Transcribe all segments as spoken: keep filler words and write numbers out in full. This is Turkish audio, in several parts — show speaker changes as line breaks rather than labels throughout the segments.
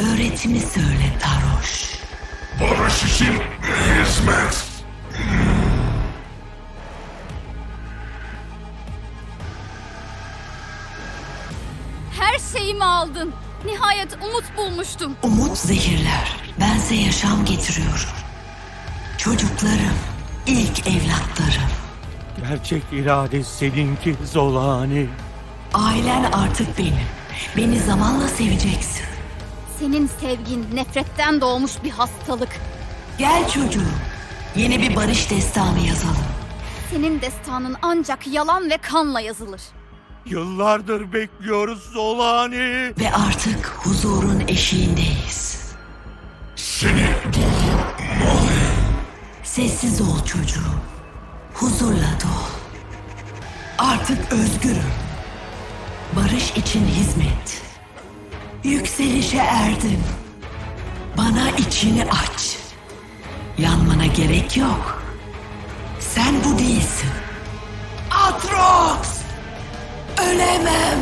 Öğretimi söyle Taroş.
Barış için hizmet.
Her şeyimi aldın. Nihayet umut bulmuştum.
Umut zehirler. Bense yaşam getiriyorum. Çocuklarım, ilk evlatlarım.
Gerçek irade seninki Zolani.
Ailen artık benim. Beni zamanla seveceksin.
Senin sevgin nefretten doğmuş bir hastalık.
Gel çocuğum. Yeni bir barış destanı yazalım.
Senin destanın ancak yalan ve kanla yazılır.
Yıllardır bekliyoruz Zolani.
Ve artık huzurun eşiğindeyiz.
Seni durdurmalıyım.
Sessiz ol çocuğum. Huzurla dol. Artık özgürüm. Barış için hizmet. Yükselişe erdim. Bana içini aç. Yanmana gerek yok. Sen bu değilsin. Atrox! Ölemem.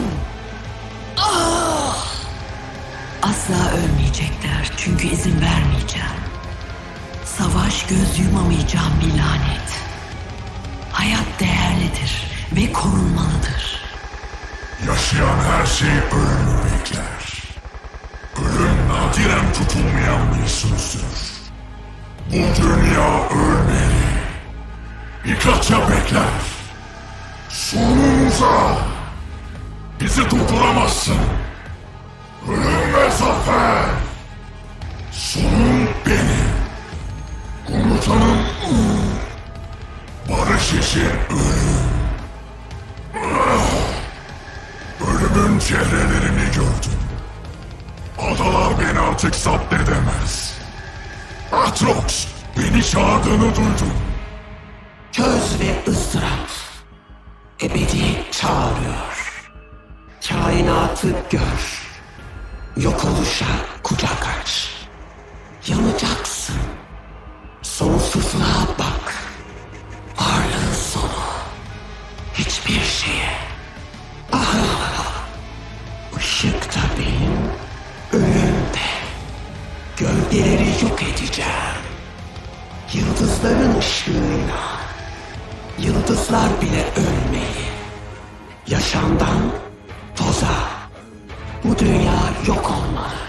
Ah! Asla ölmeyecekler çünkü izin vermeyeceğim. Savaş göz yumamayacağım bir lanet. Hayat değerlidir ve korunmalıdır.
Yaşayan her şey ölümü bekler. Ölüm nadiren tutulmayan bir sözdür. Bu dünya ölmeli. Birkaçça bekler. Sonumuza. Bizi durduramazsın. Ölüm ve zafer. Sonum benim. Komutanım Uğur. Barış için ölüm. Ölümün çehrelerini gördüm. Adalar beni artık zapt edemez. Atrox, beni çağırdığını duydum.
Köz ve ızdırap. Ebediyet çağırıyor. Kainatı gör. Yok oluşa kucak aç. Yanacaksın. Sonsuzluğa bak. Varlığın sonu. Hiçbir şeye. Ah! Işık da benim. Ölüm de. Gölgeleri yok edeceğim. Yıldızların ışığıyla. Yıldızlar bile ölmeyi. Yaşamdan toza. Bu dünya yok olmalı.